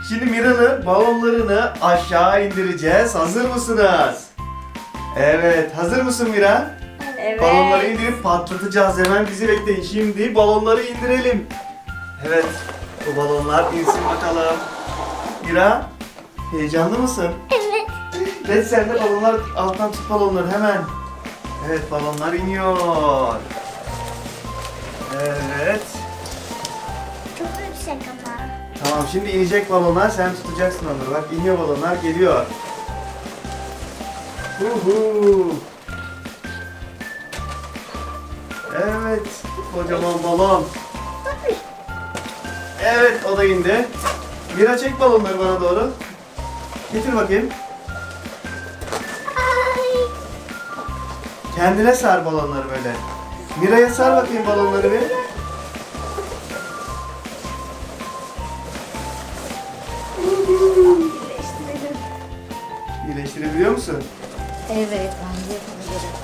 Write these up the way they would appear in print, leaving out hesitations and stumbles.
Şimdi Mira'nın balonlarını aşağı indireceğiz. Hazır mısınız? Evet. Hazır mısın Mira? Evet. Balonları indirip patlatacağız. Hemen bizi bekleyin. Şimdi balonları indirelim. Evet. Bu balonlar insin bakalım. Mira, heyecanlı mısın? Evet. Ve sen de balonlar alttan tut balonları hemen. Evet, balonlar iniyor. Evet. Çok yüksek ama. Tamam, şimdi inecek balonlar, sen tutacaksın onları. Bak iniyor balonlar, geliyor. Uhu. Evet, kocaman balon. Evet, o da indi. Mira çek balonları bana doğru. Getir bakayım. Ay. Kendine sar balonları böyle. Mira'ya sar bakayım balonları bir. Birleştirelim. İyileştirebiliyor musun? Evet, bence yapabilirim.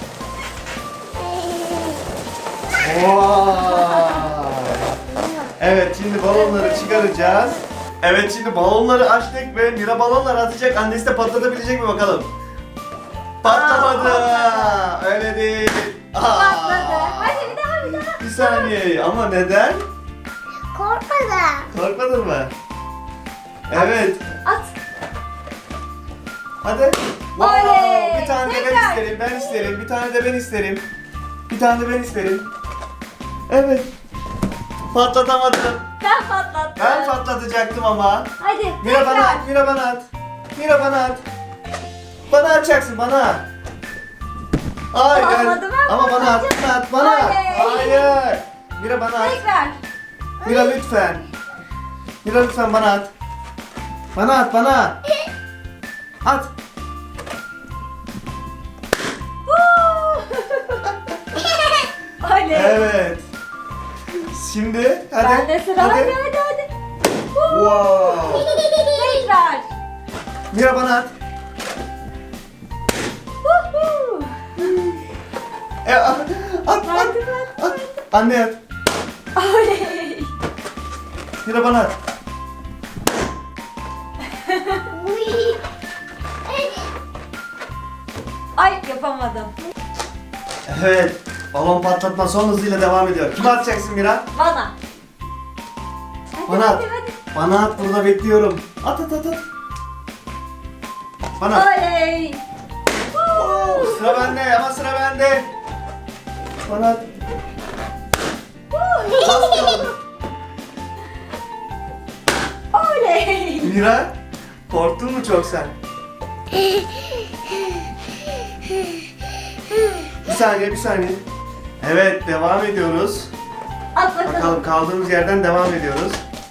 Vay! Evet, şimdi balonları çıkaracağız. Evet, şimdi balonları açtık ve Mira balonları atacak. Annesi de patlatabilecek mi bakalım? Patlamadı. Öyle değil. Patladı. Hadi bir daha. Bir saniye. Ama neden? Korkmadım. Korkmadın mı? Evet. At. Hadi. Oley! Bir tane de ben Tekrar. isterim. Ben isterim. Bir tane de ben isterim. Bir tane de ben isterim. Evet. Patlatamadım. Ben patlattım. Ben patlatacaktım ama. Hadi Mira bana tekrar. at, Mira bana at. Mira bana at. Bana atacaksın, bana. Hayır. Olmadı, ben Ama bana at, patlatacağım. bana at, bana at. Oley. Hayır. Mira bana at. Tekrar. Mira lütfen. Mira lütfen bana at. Bana at, bana. At. Oley. Evet. Şimdi hadi. Bende sıra. Hadi hadi. Wow. Tekrar. Mira bana at. At, at, at. At. Anne at. Oley. Mira bana at. Ay yapamadım. Evet. Balon patlatma son hızıyla devam ediyor. Kime atacaksın Mira? Bana. Hadi, Bana at. hadi, hadi. Bana at, burada bekliyorum. At at at at. Bana at. Oley. Sıra bende ama sıra bende. Bana at. Az kaldı. Oley. Mira, korktun mu çok sen? Bir saniye, bir saniye. Evet, devam ediyoruz. At bakalım. Bakalım kaldığımız yerden devam ediyoruz.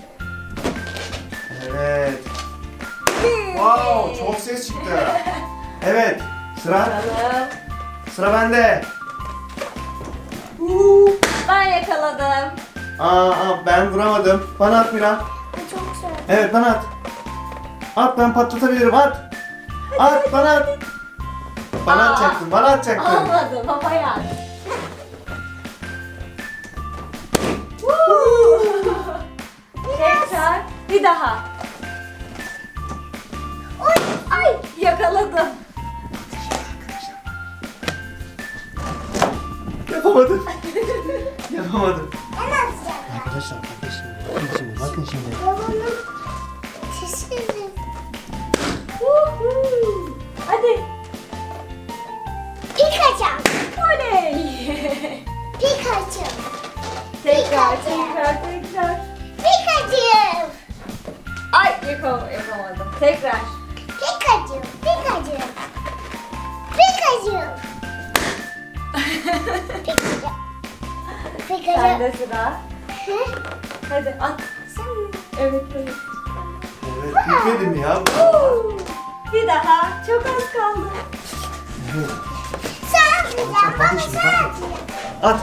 Evet. Wow, çok ses çıktı. Evet, Bakalım. sıra bende. Ben yakaladım. Ben vuramadım. Bana at Mira. Çok güzel. Evet, bana at. At, ben patlatabilirim, at. At, bana at. Bana Aa. atacaktın, bana atacaktın. Olmadı baba ya. Tekrar. Bir daha. Oy, ay yakaladım. Yapamadım. Yapamadım. Ben atacağım. Arkadaşlar, bakın şimdi, bakın şimdi. Babamın sesini. Hadi. Pikachu. Oley. Pikachu. Tekrar. Tekrar. Pikachu. Ay yapamadım. Tekrar. Pikachu. Pikachu. Pikachu. Pikachu. Pikachu. Sende sıra. Hı? Hadi at. Evet evet. Evet, bitmedi mi ya? Bir daha. Çok az kaldı. Sen atacağım. Hadi Baba şimdi, sen hadi. atacağım. At.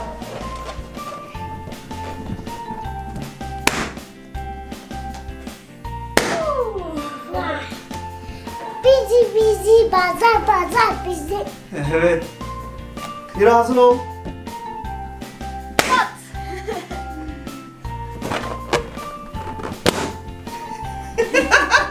Vay. Bizi pazar bizi. Evet. Mira hazır ol. At.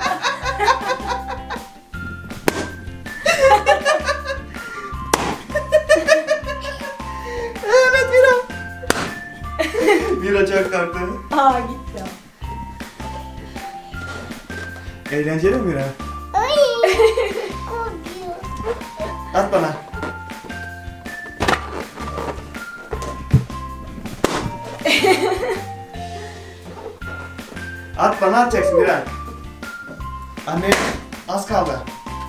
Eğlenceli mi Mira? Ay. Korkuyor. At bana. At bana atacaksın Mira. Anne az kaldı.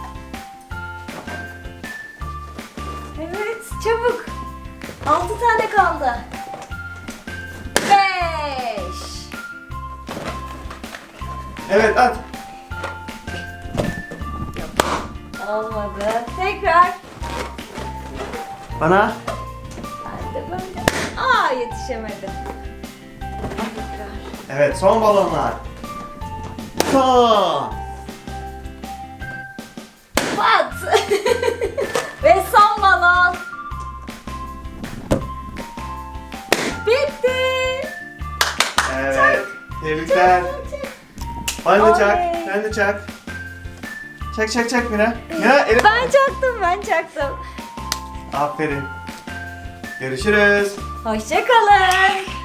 Evet, çabuk. 6 tane kaldı. 5. Evet at. Olmadı. Tekrar. Bana. Ben de böyle. Aa, yetişemedim. Tekrar. Evet son balonlar. Son. Pat. Ve son balon. Bitti. Evet. Tebrikler. Ben de çak. Oley. Sen de çak. Çak çak çak Mira. Mira elim. Ben çaktım. Aferin. Görüşürüz. Hoşça kalın.